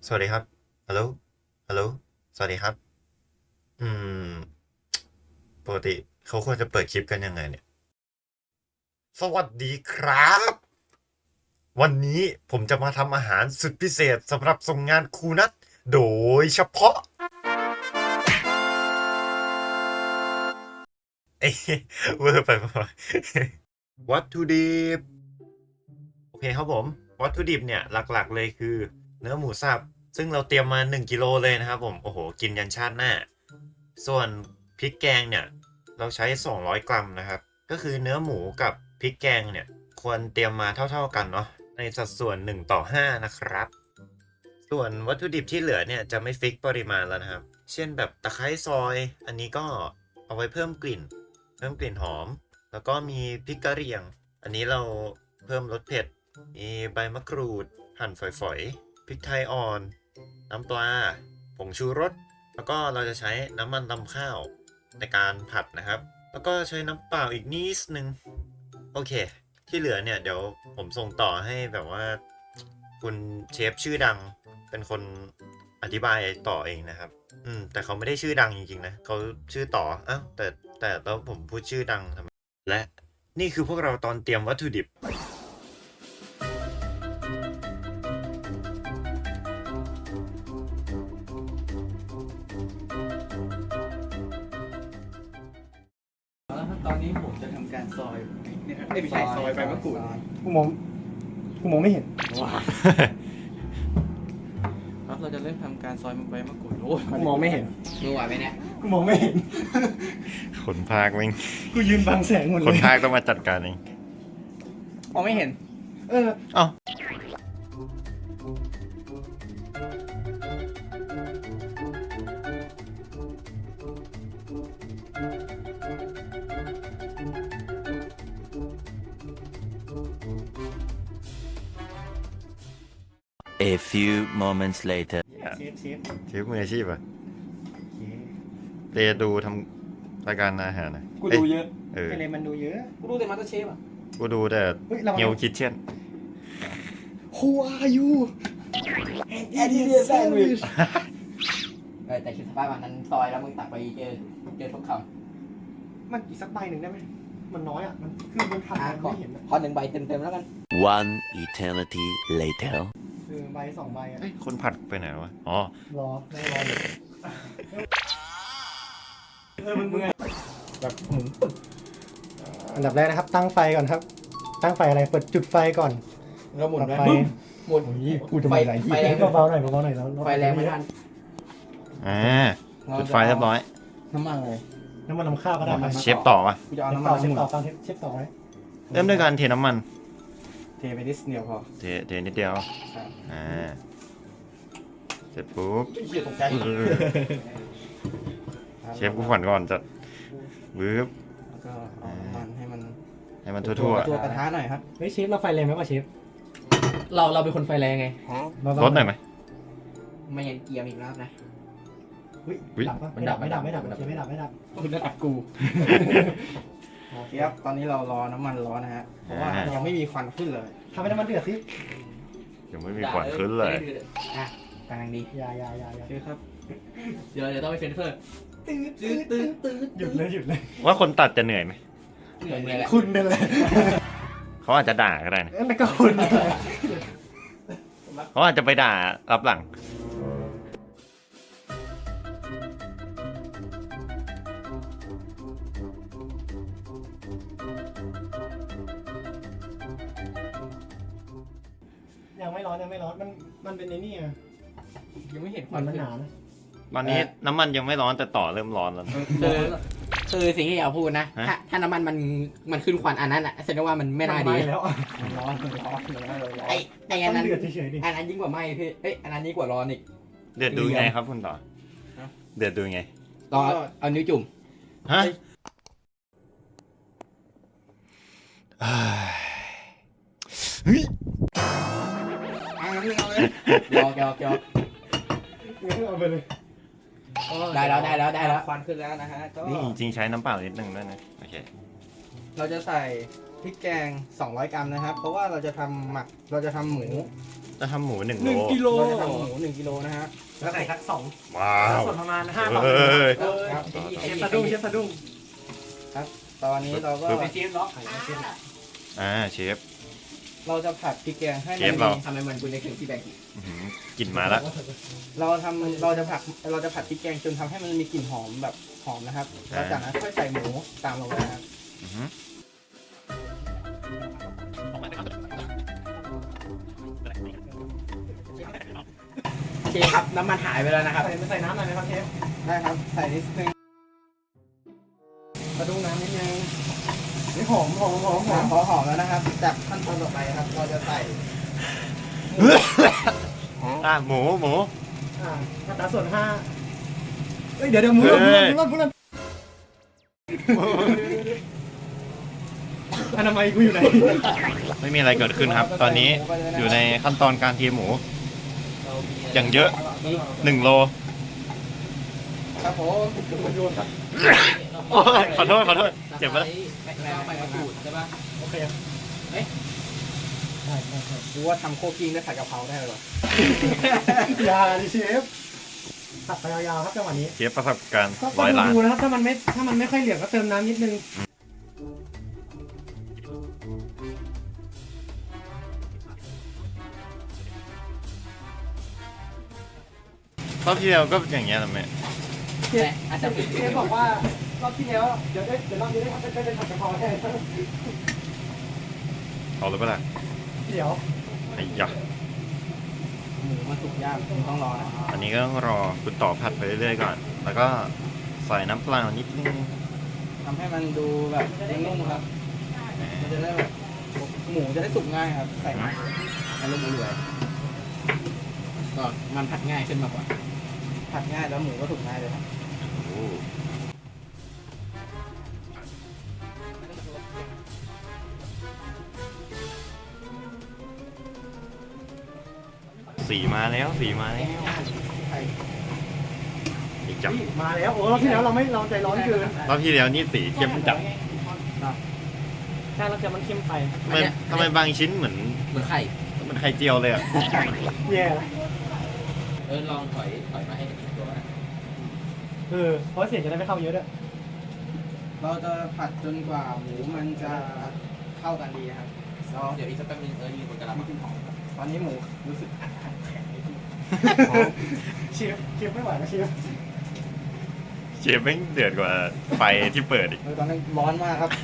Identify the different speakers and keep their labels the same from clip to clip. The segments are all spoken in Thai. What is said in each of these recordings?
Speaker 1: สวัสดีครับฮัลโหลฮัลโหลสวัสดีครับอืมปกติเขาควรจะเปิดคลิปกันยังไงเนี่ยสวัสดีครับวันนี้ผมจะมาทำอาหารสุดพิเศษสำหรับส่งงานครูนัทโดยเฉพาะเอ้ยเวอร์ไปปะวัตถุดิบโอเคครับผมวัตถุดิบเนี่ยหลักๆเลยคือเนื้อหมูสับซึ่งเราเตรียมมา1กิโลเลยนะครับผมโอ้โหกินยันชาติหน้าส่วนพริกแกงเนี่ยเราใช้200 กรัมนะครับก็คือเนื้อหมูกับพริกแกงเนี่ยควรเตรียมมาเท่าๆกันเนาะในสัดส่วน1:5นะครับส่วนวัตถุดิบที่เหลือเนี่ยจะไม่ฟิกปริมาณแล้วนะครับเช่นแบบตะไคร้ซอยอันนี้ก็เอาไว้เพิ่มกลิ่นหอมแล้วก็มีพริกกะเหรี่ยงอันนี้เราเพิ่มรสเผ็ดมีใบมะกรูดหั่นฝอยๆพริกไทยอ่อนน้ำปลาผงชูรสแล้วก็เราจะใช้น้ำมันรำข้าวในการผัดนะครับแล้วก็ใช้น้ำเปล่าอีกนิดนึงโอเคที่เหลือเนี่ยเดี๋ยวผมส่งต่อให้แบบว่าคุณเชฟชื่อดังเป็นคนอธิบายต่อเองนะครับแต่เขาไม่ได้ชื่อดังจริงๆนะเขาชื่อต่ออ้าวแต่แล้วผมพูดชื่อดังทำไมและนี่คือพวกเราตอนเตรียมวัตถุดิบ
Speaker 2: แล้วตอนนี้ผมจะทำการซอยเนี่ยไม่ใช่ซอยใบมะกรูด
Speaker 3: กูมองไม่เห็น
Speaker 2: ครับเราจะเริ่มทำการซอยใบมะกรูดโอ้ย
Speaker 3: กูมองไม่เห็น
Speaker 2: มือไหวไหมเนี่ย
Speaker 3: กูมองไม่เห็น
Speaker 1: คนภาคแม่ง
Speaker 3: กูยืนบังแสงหมด
Speaker 1: ค
Speaker 3: เล
Speaker 1: น
Speaker 3: ย
Speaker 1: ภาคต้องมาจัดการเอง
Speaker 2: มองไม่เห็น
Speaker 3: เออ
Speaker 1: เอ้า
Speaker 4: A few moments later.
Speaker 3: เชฟ
Speaker 1: เชฟมืออาชีพอะเตดูทำรายการอาหารนะ
Speaker 2: กูดูเยอะ
Speaker 1: เออ
Speaker 3: อะไรมันดูเยอะ
Speaker 2: กูดูแต่มาสเตอร์เชฟอ่ะ
Speaker 1: กูดูแต่
Speaker 3: เฮ้ยระวัง
Speaker 1: เงียวคิดเช่น
Speaker 3: Who are you
Speaker 2: Idiot sandwich แต่คิดสภาพวันนั้นซอยแล้วมึงตักไปเจอทุกคำ
Speaker 3: มันอีกสักใบหนึ่งได้ไหม มันน้อยอ่ะ มันคือมันผ่านมันไม่เห็นอะ
Speaker 2: ขอ1 ใบเต็มๆแล้วกัน
Speaker 4: One eternity later.
Speaker 3: ใบ2 ใบอ่ะ
Speaker 1: เอ้ยคนผัดไปไหนวะ อ๋อ
Speaker 3: รอได้รออยู่มึงแบบหมุนปึ๊บอันดับแรกนะครับ ตั้งไฟก่อนครับ ตั้งไฟอะไร เปิดจุดไฟก่อน
Speaker 2: แล้วหมุน
Speaker 3: ดับ
Speaker 2: ไป
Speaker 3: ไฟ
Speaker 2: หมุน
Speaker 3: โอ้ยกูจะมาไหน
Speaker 2: ไฟแรง
Speaker 3: เบาๆหน่อยแล้ว
Speaker 2: ไฟแรงไม่ทัน
Speaker 1: จุดไฟเรียบร้อย
Speaker 2: น้ำมันเลย
Speaker 3: น้ำมันข้าวก็ได้ครับ
Speaker 1: เชฟต่อปะ
Speaker 2: กูจะเอา
Speaker 3: เชฟ
Speaker 2: น้ำมั
Speaker 3: ต่
Speaker 2: น
Speaker 3: อเชฟต่อฟังเชฟต่อไว้
Speaker 1: เริ่มด้วยการเทน้ำมัน
Speaker 2: เทไปนิดเดียวพอ
Speaker 1: เทนิดเดียว
Speaker 2: ใช่
Speaker 1: เสร็จปุ๊บ
Speaker 2: เหี้ยตกใจ
Speaker 1: เออเชฟกูฝันก่อนจะวืบ
Speaker 2: แล้วก็เอาน้ำมันให้มัน
Speaker 1: ให้มันทั่ว
Speaker 2: ตัวกระทะหน่อยครับ
Speaker 3: เฮ้ยเชฟเราไฟแรงไหมวะเชฟ
Speaker 5: เราเป็นคนไฟแรงไง
Speaker 1: ๆลดหน่อยไหม
Speaker 2: ไม่ยันเกียร์อีกแล้วนะ
Speaker 3: อุ๊ย
Speaker 1: อุ๊ย
Speaker 3: ดับปะไม่ดับเชฟไม่ดับ
Speaker 2: คุณระดับกูโอเคครับตอนนี้เรารอน้ำมันร้อนนะฮะเพราะว่ายังไม่มีควันขึ้นเลย
Speaker 3: ทำให้น้ำมันเดือดสิ
Speaker 1: ยังไม่มีควันขึ้นเลย
Speaker 2: อ่ะกำลังดี
Speaker 3: อย่า
Speaker 2: โอเคครับ
Speaker 5: เดี๋ยวต้องไปเฟนเฟอร์
Speaker 3: หยุดเลย
Speaker 1: ว่าคนตัดจะเหนื่อยไหม
Speaker 2: เหนื่อยเลยแหละ
Speaker 3: คุณนั่นแหละ
Speaker 1: เขาอาจจะด่าก็ได้นะ
Speaker 3: นั่นก็คุณนั่นแหละ
Speaker 1: เขาอาจจะไปด่ารับหลัง
Speaker 3: ยังไม่ร้อนมันเป็นไอ้นี่อ่ะ
Speaker 2: ยังไม่เห็นค
Speaker 3: มั
Speaker 2: วัน
Speaker 3: น
Speaker 2: ขึ้น
Speaker 3: หนานะ
Speaker 1: ตอนนี้น้ำมันยังไม่ร้อนแต่ต่อเริ่มร้อนแล้วนะ
Speaker 5: คือสิ่งที่อยากพูดนะ
Speaker 1: ฮะ
Speaker 5: ถ้าน้ำมันขึ้นควันอันนั้นอ่ะแสดงว่ามันไม่น่าดี
Speaker 3: แล้วอ่ะ
Speaker 2: ร้อนร้อน
Speaker 5: ไอ้อัน
Speaker 3: ต้อ
Speaker 5: นั้
Speaker 3: ง
Speaker 5: น
Speaker 3: เดือดเฉยๆดิ
Speaker 5: อันนั้นยิ่งกว่าไหมพี่เอ้ยอันนั้นยิ่งกว่าร้อนอีก
Speaker 1: เดือดดูไงครับคุณต่อ เดือดดูไง
Speaker 5: รอเอานิ้วจุ่ม
Speaker 1: ฮะเฮ้ย
Speaker 5: ยอก
Speaker 3: เอาไปเลย
Speaker 5: ได้แล้ว
Speaker 2: ควันขึ้นแล้วนะฮะก็
Speaker 1: นี่จริงๆใช้น้ำเปล่านิดนึงด้วยนะ โอเค
Speaker 2: เราจะใส่พริกแกง200 กรัมนะครับ เพราะว่าเราจะทำเราจะทำหมู
Speaker 1: จะทำหมู1 โล
Speaker 5: 1 กิโล
Speaker 2: เราจะทำหมู1 กิโลนะฮะ
Speaker 3: แล้วใส่สัก2
Speaker 1: ว้าว
Speaker 3: ส่วนประมาณ5
Speaker 1: เฮ้ย
Speaker 2: ครับ
Speaker 3: เชฟสะดุ้งเชฟสะดุ้ง
Speaker 2: ตอนนี้เราก็
Speaker 1: ปึ๊บ
Speaker 3: เชฟล็อก
Speaker 1: เชฟ
Speaker 2: เราจะผัดพริกแกงให้
Speaker 1: เช
Speaker 2: มั
Speaker 1: ฟ
Speaker 2: น
Speaker 1: เรา
Speaker 2: มี
Speaker 5: ทำไมมันคุณได้ถึงที่แบงค์
Speaker 1: อื้อหือกลิ่นมาแล้ว
Speaker 2: เราจะผัดพริกแกงจนทำให้มันมีกลิ่นหอมแบบหอมนะครับแล้วจากนั้นค่อยใส่หมูตามลงไปนะครับ
Speaker 1: อื้อหือ
Speaker 5: โอเคครับน้ำมันหายไปแล้วนะครับ
Speaker 3: ใส่น้ำหน่อยไหมครับเชฟ
Speaker 2: ได้ครับใส่นิดนึง
Speaker 3: สะดุ้งน้ำนิดนึงนี่หอม
Speaker 2: พอหอมแล้วนะครับจากขั้นตอนต่อไปครับ เราจะใส่
Speaker 1: หมู
Speaker 3: อัตราส่วน5เฮ้ยเดี๋ยวหมูหล่นอนามัยกูอยู่ไหน
Speaker 1: ไม่มีอะไรเกิดขึ้นครับ ตอนนี้อยู่ในขั้นตอนการเทียมหมู อย่างเยอะ1 โล
Speaker 2: ครับผม
Speaker 1: โอ้ยขอโทษเจ็บปะ
Speaker 5: แล้วไปกระดูดใช่ปะ
Speaker 3: โอเค
Speaker 2: รู้ว่าทำโคกิ้งได้ผัดกะเพราได้เลยวะ
Speaker 3: อย่าดิเชฟตัดไปยาวๆครับจังหวะนี้
Speaker 1: เชฟประสบการณ์
Speaker 3: ก็
Speaker 1: 100 ล้าน
Speaker 3: ดูนะครับถ้ามันไม่ค่อยเหลืองก็เติมน้ำนิดนึง
Speaker 1: รอบที่แล้วก็อย่างเงี้ยนะแม่
Speaker 5: แต่อาจจะเป็น
Speaker 3: เชฟบอกว่ารอบที่แล้วเดี๋ยวรอบนี้ได้ผัดกะเพราแทน
Speaker 1: เอาเลยปะล่ะ
Speaker 3: เดี๋ยว
Speaker 1: ไอ้ยะ
Speaker 2: หมูมันสุกยากคุณต้องรอนะ
Speaker 1: อันนี้ก็ต้องรอคุณต่อผัดไปเรื่อยๆก่อน แล้วก็ใส่น้ำเปล่านิดนึง
Speaker 2: ทำให้มันดูแบบนุ่มๆครับ มันจะได้แบบหมูจะได้สุกง่ายครับ ใส่มา
Speaker 5: อารมณ์อร่อยก็มันผัดง่ายขึ้นมากกว่า
Speaker 2: ผัดง่ายแล้วหมูก็สุกง่ายเลยครับ
Speaker 1: โอ้สีมาแล้วอีกจับ
Speaker 3: มาแล้วโอ้รอบที่แล้วเราใจร้อนเกิน
Speaker 1: รอบที่แล้วนี่สีเข้มจัด
Speaker 3: ใช่เราจะมันเข้มไป
Speaker 1: ทำไมบางชิ้นเหมือน
Speaker 5: เหมือนไข่
Speaker 1: ไข่เจียวเลยอ่ะ
Speaker 3: แย่ละ
Speaker 5: ลองถอยมาให้เห็นตัวนะ
Speaker 3: เพราะเสียงจะได้ไม่เข้าเยอะด้วย
Speaker 2: เราจะผัดจนกว่าหมูมันจะเข้ากันดีครับ
Speaker 5: เดี๋ยวอีกสักแป๊บนึงนี่มันกำลัง
Speaker 2: มีกลิ่นหอมตอนนี้หมูรู้สึก
Speaker 3: เชฟไม่ไหวนะเชฟ
Speaker 1: เชฟแม่งเดือดกว่าไฟที่เปิดอีก
Speaker 2: ตอนนี้ร้อนมากครับ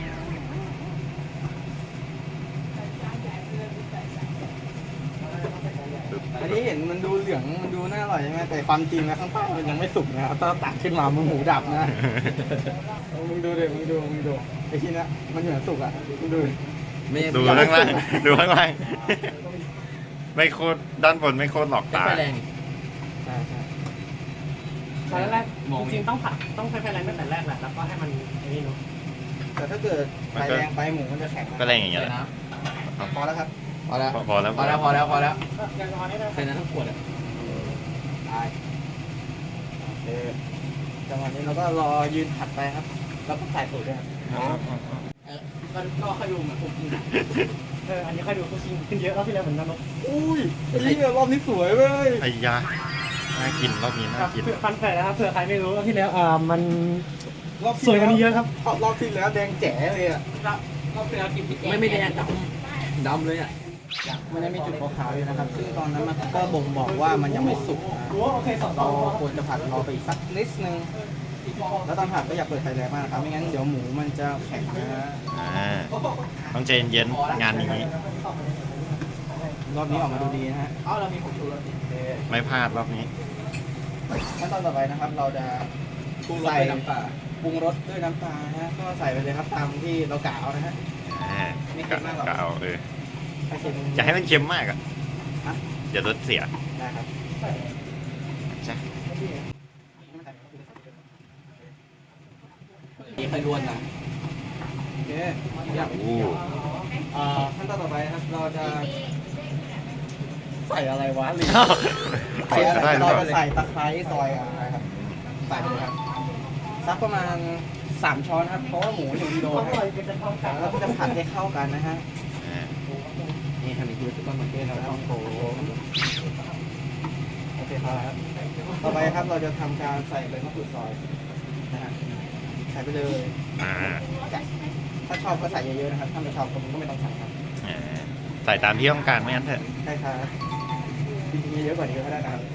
Speaker 2: อันนี้เห็นมันดูเหลืองมันดูน่าอร่อยใช่ไหมแต่ความจริงนะข้างใต้มันยังไม่สุกนะครับถ้าตักขึ้นมามันหมูดับนะ มึงดูดิมึงดูไอ้ที่นี้มันเหมือนสุกอ่ะมึงดูดิ
Speaker 1: ดูข้างล่างดูข้างล่างไม่โคตรด้านบนไม่โคตรหลอก
Speaker 5: ไม่
Speaker 1: ตา
Speaker 5: ค่อยแรง
Speaker 2: ใช่
Speaker 3: ตอนแรกจริงๆต้องใช้ไฟแรงตั้งแต่แรกแหละแล้วก็ให้มันไอ้นี่เนาะ
Speaker 2: แต่ถ้าเกิดไฟแรงไปหมูมันจะแข็งนะ
Speaker 1: ก็แรงอย่างเงี้ยแหละ
Speaker 2: พอแล้วครับ
Speaker 5: พอแล้ว
Speaker 1: พอแล้ว
Speaker 5: พอแล้ว
Speaker 3: ยังประมาณนี้นะ
Speaker 5: ใส่น้ำทั้งขวดอ่ะ
Speaker 2: ได้โอเคจังหวะนี้เราก็รอยืนผัดไปครับแล้วก็ใส่สูตรด้วยครับ
Speaker 5: ก็ค่อยดูเหมือนผมกิน
Speaker 3: อันนี้ค่อยดูเขาชิงขึ้นเยอะรอบที่แล้วเหมือนกันเนาะ
Speaker 2: อุ้ยไอ้นี่รอบนี้สวยเว้ย
Speaker 1: ไอ้ยาน่ากินรอบนี้น่ากิน
Speaker 3: ฟันแฝดนะครับเผื่อใครไม่รู้รอบที่แล้วมัน
Speaker 2: รอบ
Speaker 3: สวยกว่านี้เยอะครับ
Speaker 2: รอบที่แล้วแดงแจ๋เลยอ่ะ
Speaker 5: ก็เป็นกินพริกไม่ได้ดำเลยอ่ะ
Speaker 2: มันยังมีจุดขาวๆอยู่นะครับ ซึ่งตอนนั้นมันก็บ่งบอกว่ามันยังไม่สุกนะ
Speaker 3: โอเค2
Speaker 2: เราควรจะผัดรอไปอีกสักนิดนึง แล้วตอนผัดก็อย่าเปิดไฟแรงมากนะครับ ไม่งั้นเดี๋ยวหมูมันจะแข็งนะ
Speaker 1: ต้องใจเย็นๆงานนี้
Speaker 2: รอบนี้ออกมาดูดีนะฮะ
Speaker 5: เรามีผงชูรส
Speaker 2: โอเค
Speaker 1: ไม่พลาดรอบนี้
Speaker 2: ขั้นตอนต่อไปนะครับ เราจะ
Speaker 5: ปรุงรสด้วยน้ำปลา
Speaker 2: ปรุงรสด้วยน้ำปลานะฮะก็ใส่ไปเลยครับตามที่เรากะเอานะฮะ
Speaker 1: ไม่เค็มมากหรอกเอา
Speaker 2: ถ้าเค็ม
Speaker 1: อย่าให้มันเค็มมากอ่ะ
Speaker 2: ฮะ
Speaker 1: เดี๋ยวรสเสีย
Speaker 2: ได้ครับ
Speaker 1: ใช่
Speaker 5: นี่ค่อยล้วนนะ
Speaker 2: โอเคเยี่ยม
Speaker 1: โอ้
Speaker 2: ขั้นตอนต่อไปนะครับ เราจะใส่อะไรวะลืม
Speaker 1: ใส่ก็ได้หรือ
Speaker 2: เรา
Speaker 1: เปล่า
Speaker 2: จะใส่ตะไคร้ซอยอะไรครับ ใส่ไปเลยครับสักประมาณ 3 ช้อนครับเพราะว่าหมู1 กิโล
Speaker 3: อ
Speaker 2: นะ
Speaker 3: ร่อยเป็นทองกลาง
Speaker 2: แล้วก็จะผัดให้เข้ากันนะฮะ
Speaker 1: อ่า
Speaker 2: นี่ทำอีกทีซุปเปอร์มาร์เก็ตครับผมโอเคครับต่อไปครับเราจะทำการใส่ใบมะกรูดซอยนะฮะใส่ไปเลย
Speaker 1: อ่า
Speaker 2: ถ้าชอบก็ใส่เยอะๆนะครับถ้าไม่ชอบก็ไม่ต้องใส่ครับ
Speaker 1: อ่าใส่ตามที่ต้องการไม่งั้นเถอะ
Speaker 2: ใช่ครับจริงๆเยอะกว่านี้ก็ได้นะครับ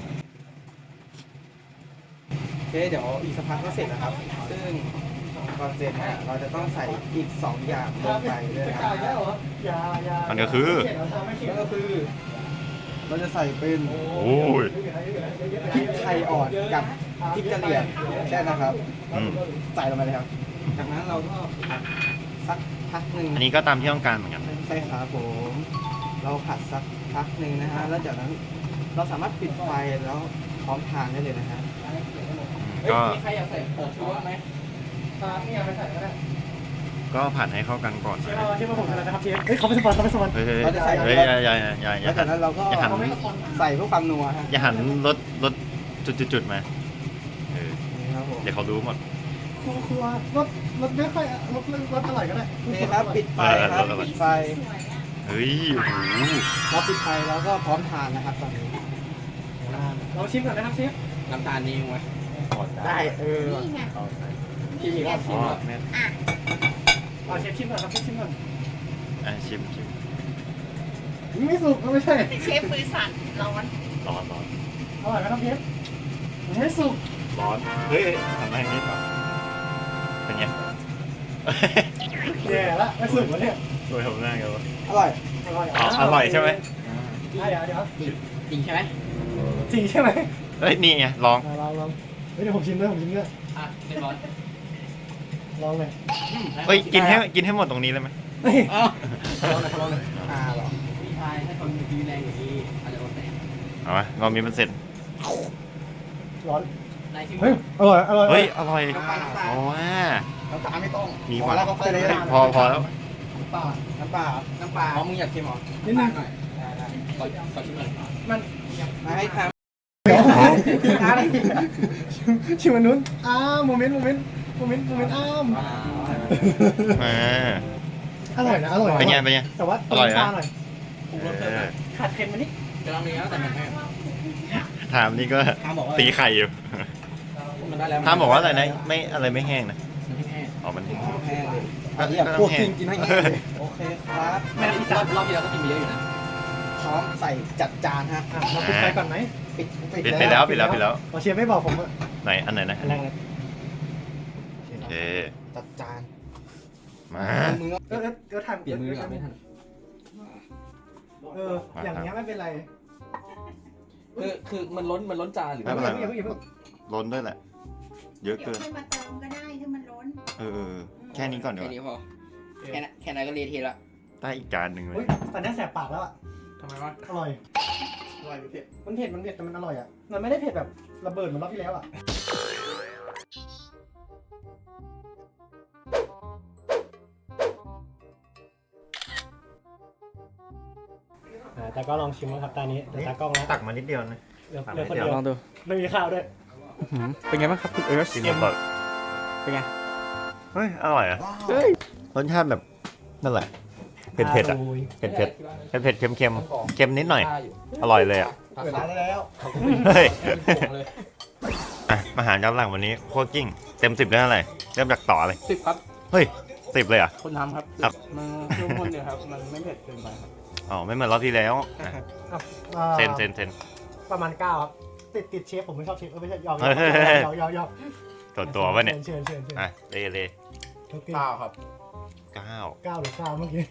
Speaker 2: โอเคเดี๋ยวอีกสักพักก็เสร็จนะครับ ซึ่งก่อนเสร็จเนี่ยเราจะต้องใส่อีก 2 อย่างลงไปด้วยนะครับ
Speaker 1: มันก็คือ
Speaker 2: นั่นก็คือ เราจะใส่เป็น
Speaker 1: โอ้ย
Speaker 2: พริกไทยอ่อนกับพริกกะเหรี่ยงแค่นะครับ
Speaker 1: อืม
Speaker 2: ใส่ลงไปเลยครับ จากนั้นเราก็ผัดสักพักหนึ่ง
Speaker 1: อันนี้ก็ตามที่ต้องการเหมือนกัน
Speaker 2: ใช่ครับผม เราผัดสักพักหนึ่งนะฮะ แล้วจากนั้นเราสามารถปิดไฟแล้วพร้อมทานได้เลยนะฮะ
Speaker 1: ก็
Speaker 2: มีใครอยากใส่ผงชูรสไหม
Speaker 3: นี่เอาไปใส่ก็ได้
Speaker 1: ก็ผัดให้เข้ากันก่อนนะ
Speaker 3: เชฟมาผมทำอะไรนะครับเชฟเฮ้ยเขาเป็นสปอน
Speaker 1: เฮ้ยเฮ้ย
Speaker 2: เราจะใส่
Speaker 1: เฮ้ยอย่า
Speaker 2: แล้วจากนั้นเราก็
Speaker 1: อย่าหัน
Speaker 2: ใส่เพื่อความนัวฮะ
Speaker 1: อย่าหันรถจุดๆมาเออ
Speaker 2: นี่ครับผม
Speaker 1: เดี๋ยวเขารู้หมด
Speaker 3: ครัวรสไม่ค่อยรสอร่อยก็ได้
Speaker 2: นี่ครับปิดไฟครับ
Speaker 1: เออ
Speaker 2: ปิดไฟ
Speaker 1: เฮ้ยโอ้โห
Speaker 2: เราปิดไฟแล้วก็พร้อมทานนะครับตอนนี้
Speaker 3: เราชิมก่อนนะครับเชฟ
Speaker 2: น้ำตาลนี่มั้ยได้พี่มีก็ชิ
Speaker 1: อ๋
Speaker 2: ม
Speaker 1: อ
Speaker 2: ครับ
Speaker 1: แม่
Speaker 3: เอาเชฟชิมก่อนครับเชฟชิมก่อน
Speaker 1: อ่ะชิม
Speaker 3: ไม่สุกไม่ใช่
Speaker 6: เชฟมือสั่นร้อน
Speaker 1: ร้อน
Speaker 3: อร่อยไหมครับเชฟไม่สุก
Speaker 1: ร้อนเฮ้ยทำได้นิดป่ะเป็นไง
Speaker 3: แย่ละไม่สุกวะเนี่ย
Speaker 1: ช่วยทำหน้ากันวะ
Speaker 2: อร่อย
Speaker 3: อร่อย
Speaker 1: อ๋ออร่อยใช่ไหม
Speaker 3: เดี๋ยว
Speaker 2: จริงใช่ไหม
Speaker 3: จริงใช่ไหม
Speaker 1: เฮ้ยนี่ไงลอง
Speaker 3: ลองเดี๋ยวผมชิมด้วยผมชิมด้วย
Speaker 2: อ่ะเรียบร้อย
Speaker 3: ลองเลย
Speaker 1: เฮ้ยกินให้หมดตรงนี้เลยไหม
Speaker 3: เฮ้ย
Speaker 2: อ้าว
Speaker 3: ลองเลยลองเลย
Speaker 2: เหรอพี่ชายถ้าคนมีแรงอย่างนี้อาจจะโดนแตก
Speaker 1: เอามาเรามีมันเสร็จ
Speaker 3: ร้อน
Speaker 2: ในที่
Speaker 3: เฮ้ยอร่อยอร่อย
Speaker 1: เฮ้ยอร่อย
Speaker 2: น้ำปลา
Speaker 1: โอ้ว่า
Speaker 2: น้ำตาลไม่ต้อง
Speaker 1: มี
Speaker 2: พ
Speaker 1: ห
Speaker 2: อ
Speaker 1: วาน
Speaker 2: แล้วก็ค่อยเลย
Speaker 1: พอแล้ว
Speaker 3: ป่า
Speaker 2: น้ำปลาน้ำปลาอ๋อมึงอยากเค็มเหรอ
Speaker 3: นิดนึง
Speaker 2: หน่อยได้ขอชิมหน่อย
Speaker 3: มัน
Speaker 2: มาให้ทำ
Speaker 3: เดี๋ยวชิมอันนู้นโมเมนต์อ้าม
Speaker 1: มา
Speaker 3: อร่อยนะอร่อย
Speaker 1: เป็นไง
Speaker 3: แต่ว่า
Speaker 1: อร่อยนะ
Speaker 3: หน่อย
Speaker 1: เออ
Speaker 3: ขาดเค็มมานิด
Speaker 2: จะลองมีแล้วแต่มันแห้ง
Speaker 1: ถามนี่ก็
Speaker 2: ทามบอกว่า
Speaker 1: ตีไข่อยู่
Speaker 2: มันได้แล้ว
Speaker 1: ถามบอกว่าอะไรนะไม่อะไรไม่แห้งนะ
Speaker 2: มันไม่แห้ง
Speaker 1: อ๋อมันแห้ง
Speaker 2: แห้งเลย
Speaker 1: ก็
Speaker 2: อันนี้แบบ
Speaker 1: ก็
Speaker 2: พวก
Speaker 1: แห้ง
Speaker 2: กินให้แห้งเลยโอเคครับ
Speaker 3: แม่ที่สาม
Speaker 2: รอบที่แล้วก็กินไปเยอะอยู่นะพร้อมใส่จัดจานฮะ
Speaker 3: เราปิดไฟก่อนไหม
Speaker 2: ปิด
Speaker 1: ปิดไปแล้วปิดแล้ว
Speaker 3: เราเชียร์ไม่บอกผมอะ
Speaker 1: ไหนอันไหนนะ
Speaker 3: อันแรกเลย
Speaker 1: โอเค
Speaker 2: จัดจาน
Speaker 1: มา
Speaker 2: มือ
Speaker 3: เดี๋ยวทำ
Speaker 2: เปลี่ยนมือก่อนไม่ทัน
Speaker 3: อย่างเงี้ยไม่เป็นไร
Speaker 2: คือมันล้นจานหรือ
Speaker 1: ไม่เป็นไร
Speaker 3: อย่าเพิ่ง
Speaker 1: ล้นด้วยแหละ เยอะ
Speaker 6: เดี๋ย
Speaker 1: เกิ
Speaker 6: วน ค่อยมาเติมก็ได้ถ้ามันล้น
Speaker 1: เออแค่นี้ก่อนเดี๋ยว
Speaker 2: แค่นี้พอแค่นั้นก็เละเทะละ
Speaker 1: ได้อีกจานหนึ่งเล
Speaker 3: อุ้ย
Speaker 1: ย
Speaker 3: ตอนนี้แสบปากแล้วอะ
Speaker 2: ทำไมวะ
Speaker 3: อร่อย
Speaker 2: อร่อยเผ็ด
Speaker 3: มันเผ็ดแต่มันอร่อยอะมันไม่ได้เผ็ดแบบระเบิดเหมือนรอบที่แล้วอะแต่ก็ลองชิมนะครับตานี้ตากล้องนะ
Speaker 1: ตักมานิดเดียวนะ
Speaker 3: เดี๋ยวคนเดียว
Speaker 2: ลองดู
Speaker 3: ไม่มีข้าวด้วย
Speaker 2: เป็นไงบ้างครับคุณเอิร์ธ
Speaker 1: กินแบบ
Speaker 2: เป็นไง
Speaker 1: เฮ้ยอร่อยอ่ะ
Speaker 2: เฮ้ย
Speaker 1: รสชาติแบบนั่นแหละเผ็ดๆอ่ะเผ็ดเค็มเค็มนิดหน่อย อร่อยเลยอ่ะ
Speaker 2: เปิดร้านได้แล้ว
Speaker 1: เฮ้ยอ่ะมาหารย้อนหลังวันนี้โคตรกิ้งเต็ม10ได้เท่าไหร่เริ่มจากต่อเลย
Speaker 2: 10 ครับ
Speaker 1: เฮ้ย10เลยอ่ะ
Speaker 2: คนทำครับ
Speaker 1: ครับ
Speaker 2: มันเข้มข้นเนี่ยครับ มันไม่เผ็ดเกินไปครับ
Speaker 1: อ๋อไม่เหมือนรอบที่แล้วอ่ะเซน
Speaker 3: ประมาณ9ครับติดเชฟผมไม่ชอบเชฟไม่ใช่ยอม
Speaker 1: เฮ้ย ส่วนตัวป่ะเนี่ย
Speaker 3: เชิญ
Speaker 1: อ่ะเล
Speaker 2: 9 ครับ
Speaker 1: 9
Speaker 3: 9หรือ9เมื่อกี้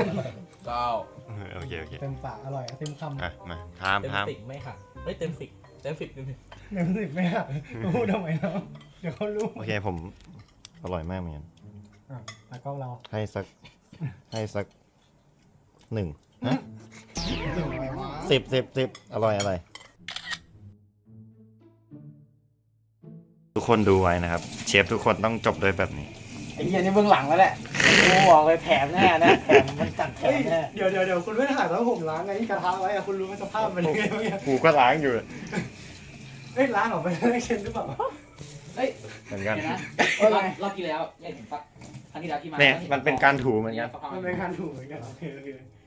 Speaker 2: 9
Speaker 1: โอเค
Speaker 3: เต็มปากอร่อยเต็มคำ
Speaker 1: อ่ะมาทาม
Speaker 5: เต็มสิบไม่ค่ะเฮ้ยเต็มสิบเต็มสิบ
Speaker 3: เต็ม10ไหมอะพูดทำไมแล้วเดี๋ยวเขารู้
Speaker 1: โอเคผมอร่อยมากเหมือนกัน
Speaker 3: ตากล้องเรา
Speaker 1: ให้สัก1นะ10อร่อยทุกคนดูไว้นะครับ เชฟทุกคนต้องจบด้วยแบบนี้
Speaker 2: ไอ้เหี้ยนี่เบื้องหลังแล้วแหละกูบอกเลยแถมแน่นะแถมมันจัดแถมแน่
Speaker 3: เดี๋ยวคุณไม่ถ่ายแล้วผมล้างไงที่กระทะไว้อะคุณรู้ไหมสภาพมันเป็นยังไงเมื่อกี้
Speaker 1: กูก็ล้างอยู่
Speaker 3: เอ้ยล้างออกไปได้เช่นหรือเปล่า
Speaker 5: เฮ้ย
Speaker 1: เหมือนกัน
Speaker 5: เดี๋ยวนะ
Speaker 2: อะไร
Speaker 5: รอบที่แล้วยังเห็นปะครั้งที่แล้วที่มา
Speaker 1: เนี่ยมันเป็นการถูเหมือนกัน
Speaker 5: สักพัก
Speaker 3: มันเป็นการถูกเหมือนกันโอเค